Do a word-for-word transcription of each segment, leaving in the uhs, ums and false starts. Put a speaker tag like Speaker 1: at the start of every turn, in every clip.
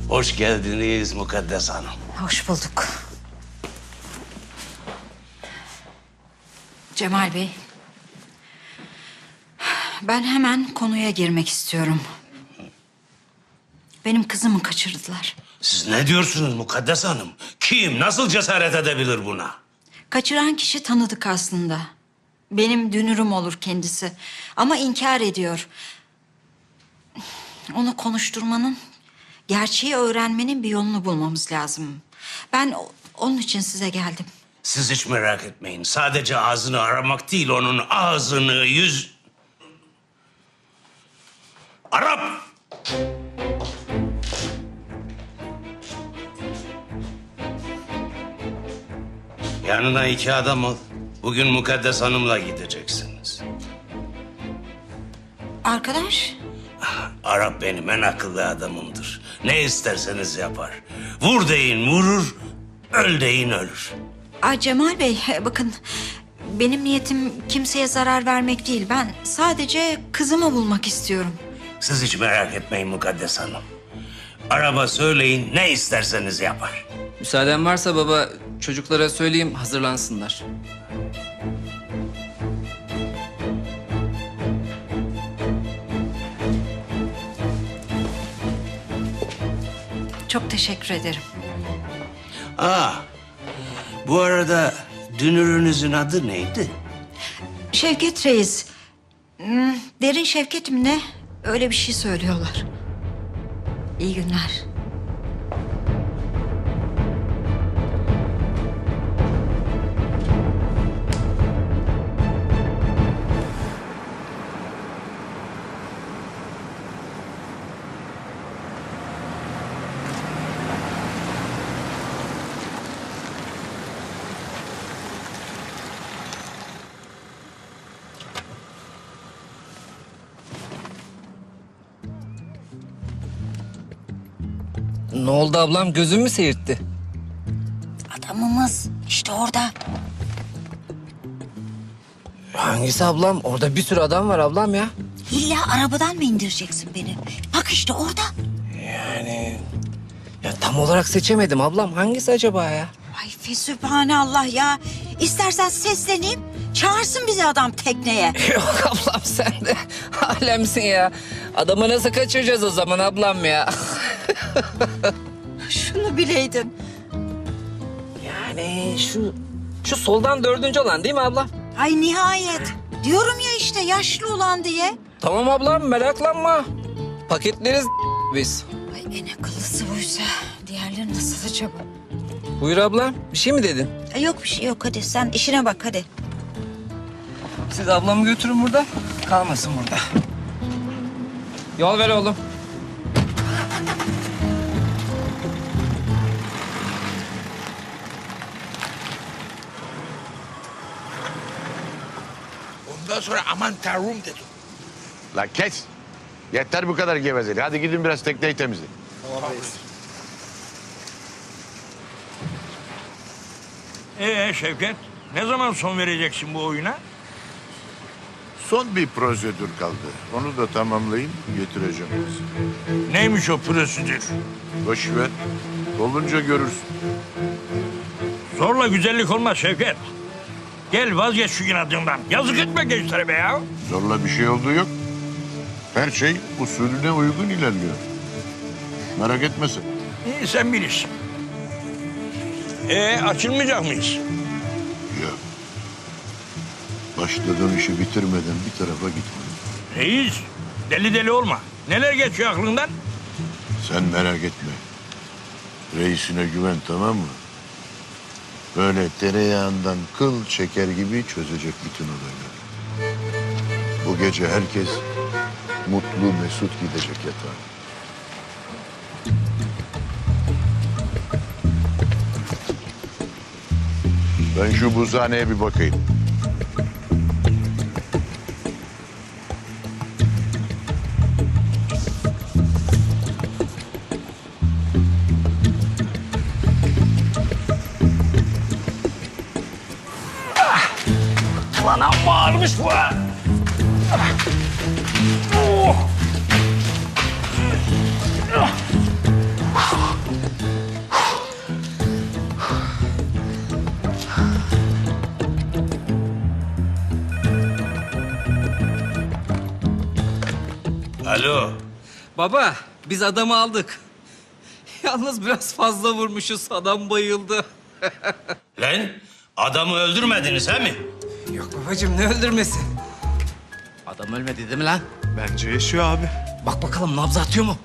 Speaker 1: Hoş geldiniz Mukaddes Hanım.
Speaker 2: Hoş bulduk. Cemal Bey, ben hemen konuya girmek istiyorum. Benim kızımı kaçırdılar.
Speaker 1: Siz ne diyorsunuz Mukaddes Hanım? Kim, nasıl cesaret edebilir buna?
Speaker 2: Kaçıran kişi tanıdık aslında. Benim dünürüm olur kendisi. Ama inkar ediyor. Onu konuşturmanın, gerçeği öğrenmenin bir yolunu bulmamız lazım. Ben o- onun için size geldim.
Speaker 1: Siz hiç merak etmeyin. Sadece ağzını aramak değil, onun ağzını, yüz... Arap! Yanına iki adam al. Bugün Mukaddes Hanım'la gideceksiniz.
Speaker 2: Arkadaş,
Speaker 1: Arap benim en akıllı adamımdır. Ne isterseniz yapar. Vur deyin vurur, öl deyin ölür.
Speaker 2: ay Cemal Bey bakın benim niyetim kimseye zarar vermek değil. Ben sadece kızımı bulmak istiyorum.
Speaker 1: Siz hiç merak etmeyin Mukaddes Hanım. Araba söyleyin, ne isterseniz yapar.
Speaker 3: Müsaaden varsa baba, çocuklara söyleyeyim hazırlansınlar.
Speaker 2: Çok teşekkür ederim.
Speaker 1: Aa, bu arada dünürünüzün adı neydi?
Speaker 2: Şevket Reis. Hmm, Derin Şevket mi ne? Öyle bir şey söylüyorlar. İyi günler.
Speaker 3: Ne oldu ablam, gözün mü seyirtti?
Speaker 2: Adamımız işte orada.
Speaker 3: Hangisi ablam? Orada bir sürü adam var ablam ya.
Speaker 2: İlla arabadan mı indireceksin beni? Bak işte orada.
Speaker 3: Yani... Ya tam olarak seçemedim ablam. Hangisi acaba ya?
Speaker 4: Ay fesübhanallah ya. İstersen sesleneyim. Çağırsın bizi adam tekneye.
Speaker 3: Yok ablam, sen de alemsin ya. Adamı nasıl kaçıracağız o zaman ablam ya?
Speaker 4: Şunu bileydin.
Speaker 3: Yani şu... Şu soldan dördüncü olan değil mi ablam?
Speaker 4: Ay nihayet. Diyorum ya işte yaşlı olan diye.
Speaker 3: Tamam ablam, meraklanma. Paketleriz biz.
Speaker 4: Ay en akıllısı buysa. Diğerleri nasıl acaba?
Speaker 3: Buyur ablam, bir şey mi dedin?
Speaker 4: Ay, yok bir şey yok hadi sen işine bak hadi.
Speaker 3: Siz ablamı götürün burada, kalmasın burada. Yol ver oğlum.
Speaker 5: Ondan sonra aman tanrım dedim.
Speaker 6: La kes. Yeter bu kadar gevezeli. Hadi gidin biraz tekneyi temizleyin.
Speaker 5: Ee Şevket, ne zaman son vereceksin bu oyuna?
Speaker 6: Son bir prosedür kaldı. Onu da tamamlayayım, getireceğim size.
Speaker 5: Neymiş o prosedür?
Speaker 6: Boş ver. Olunca görürsün.
Speaker 5: Zorla güzellik olmaz Şevket. Gel vazgeç şu inadından. Yazık etme gençlere be ya.
Speaker 6: Zorla bir şey olduğu yok. Her şey usulüne uygun ilerliyor. Merak etme sen.
Speaker 5: İyi sen bilirsin. Ee açılmayacak mıyız?
Speaker 6: Ya. Başladığın işi bitirmeden bir tarafa gitme.
Speaker 5: Reis, deli deli olma. Neler geçiyor aklından?
Speaker 6: Sen merak etme. Reisine güven, tamam mı? Böyle tereyağından kıl çeker gibi çözecek bütün olayları. Bu gece herkes mutlu mesut gidecek yatağa. Ben şu buzhaneye bir bakayım.
Speaker 5: Lan amma ağırmış bu ha. Oh.
Speaker 1: Alo.
Speaker 3: Baba biz adamı aldık. Yalnız biraz fazla vurmuşuz. Adam bayıldı.
Speaker 1: Lan adamı öldürmediniz he mi?
Speaker 3: Yok babacığım ne öldürmesi? Adam ölmedi değil mi lan?
Speaker 7: Bence yaşıyor abi.
Speaker 3: Bak bakalım nabzı atıyor mu?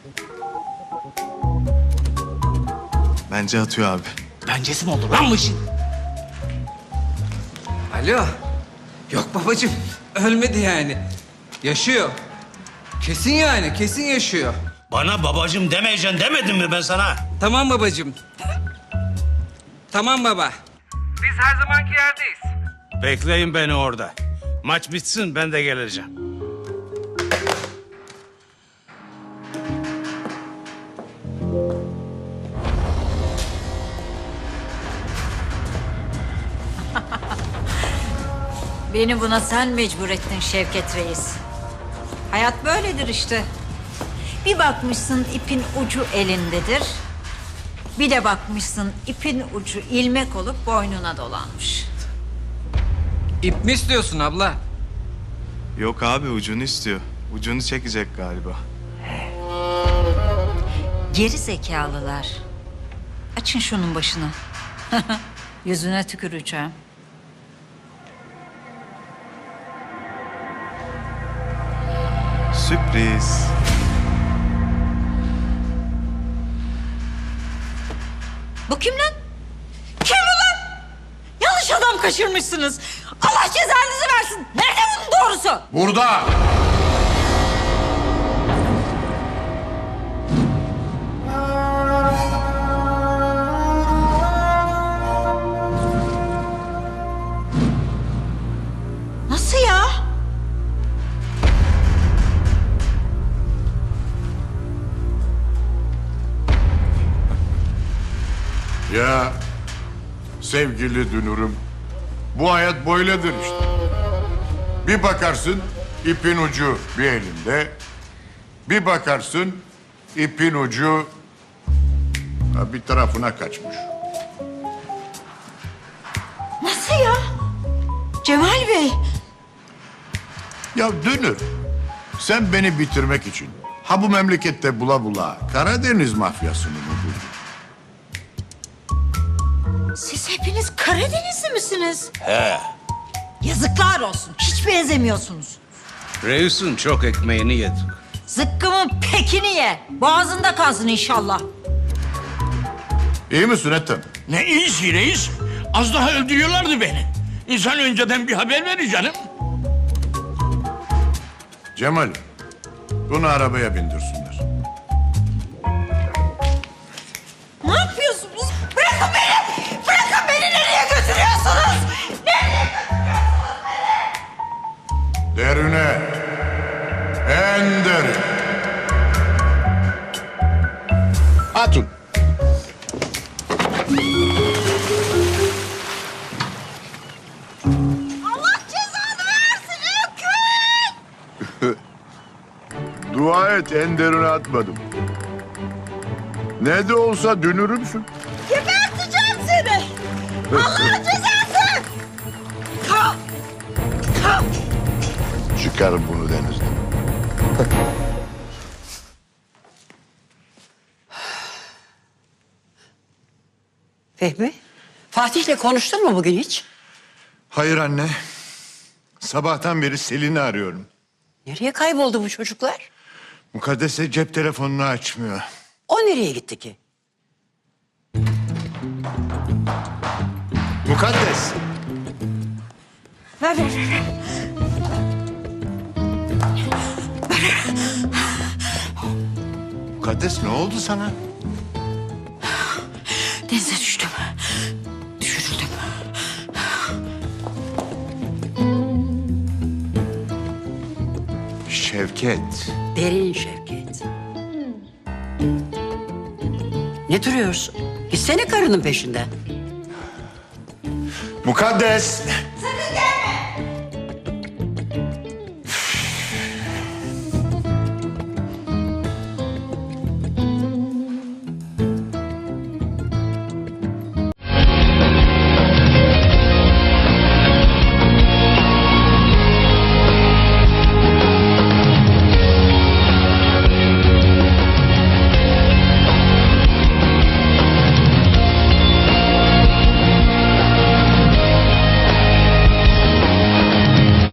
Speaker 7: Bence atıyor abi.
Speaker 3: Bencesi mi olur lan bu işin? Alo. Yok babacığım ölmedi yani. Yaşıyor. Kesin yani kesin yaşıyor.
Speaker 1: Bana babacım demeyeceksin demedim mi ben sana?
Speaker 3: Tamam babacığım. Tamam baba. Biz her zamanki yerdeyiz.
Speaker 1: Bekleyin beni orada. Maç bitsin ben de geleceğim.
Speaker 2: Beni buna sen mecbur ettin Şevket Reis. Hayat böyledir işte. Bir bakmışsın ipin ucu elindedir. Bir de bakmışsın ipin ucu ilmek olup boynuna dolanmış.
Speaker 3: İp mi istiyorsun abla?
Speaker 7: Yok abi ucunu istiyor. Ucunu çekecek galiba.
Speaker 2: Geri zekalılar. Açın şunun başını. Yüzüne tüküreceğim.
Speaker 7: Sürpriz.
Speaker 2: Bu kim lan? Kim bu lan? Yanlış adam kaçırmışsınız. Allah cezanızı versin. Nerede bunun doğrusu?
Speaker 6: Burada.
Speaker 2: Nasıl ya?
Speaker 6: Ya sevgili dünürüm, bu hayat böyledir işte. Bir bakarsın ipin ucu bir elinde, bir bakarsın ipin ucu ha, bir tarafına kaçmış.
Speaker 2: Nasıl ya? Cemal Bey.
Speaker 6: Ya dünür, sen beni bitirmek için ha bu memlekette bula bula Karadeniz mafyasını mı buldun?
Speaker 2: Siz hepiniz Karadenizli misiniz?
Speaker 1: He.
Speaker 2: Yazıklar olsun. Hiç benzemiyorsunuz.
Speaker 1: Reis'in çok ekmeğini yedik.
Speaker 2: Zıkkımın pekini ye. Boğazında kalsın inşallah.
Speaker 6: İyi misin Ethem?
Speaker 5: Ne iyisi reis. Az daha öldürüyorlardı beni. İnsan önceden bir haber verir canım.
Speaker 6: Cemal, bunu arabaya bindirsinler.
Speaker 2: Ne yapıyorsunuz? Bırakın beni! Bırakın beni! Nereye götürüyorsunuz? Nereye?
Speaker 6: Derine, en derin. Atın.
Speaker 2: Allah cezanı versin Öküz!
Speaker 6: Dua et, en derine atmadım. Ne de olsa dünürümsün.
Speaker 2: Geberteceğim seni! Allah'ın cezası! Kalk! Kalk!
Speaker 6: Çıkarın bunu denizden.
Speaker 8: Fehmi, Fatih'le konuştun mu bugün hiç?
Speaker 6: Hayır anne. Sabahtan beri Selin'i arıyorum.
Speaker 8: Nereye kayboldu bu çocuklar?
Speaker 6: Mukaddes'e cep telefonunu açmıyor.
Speaker 8: O nereye gitti ki?
Speaker 6: Mukaddes.
Speaker 2: Ver, ver, ver.
Speaker 6: Mukaddes ne oldu sana?
Speaker 2: Denize düştüm. Düşürüldüm.
Speaker 6: Şevket.
Speaker 8: Derin Şevket. Ne duruyorsun? Gitsene karının peşinden.
Speaker 6: Mukaddes.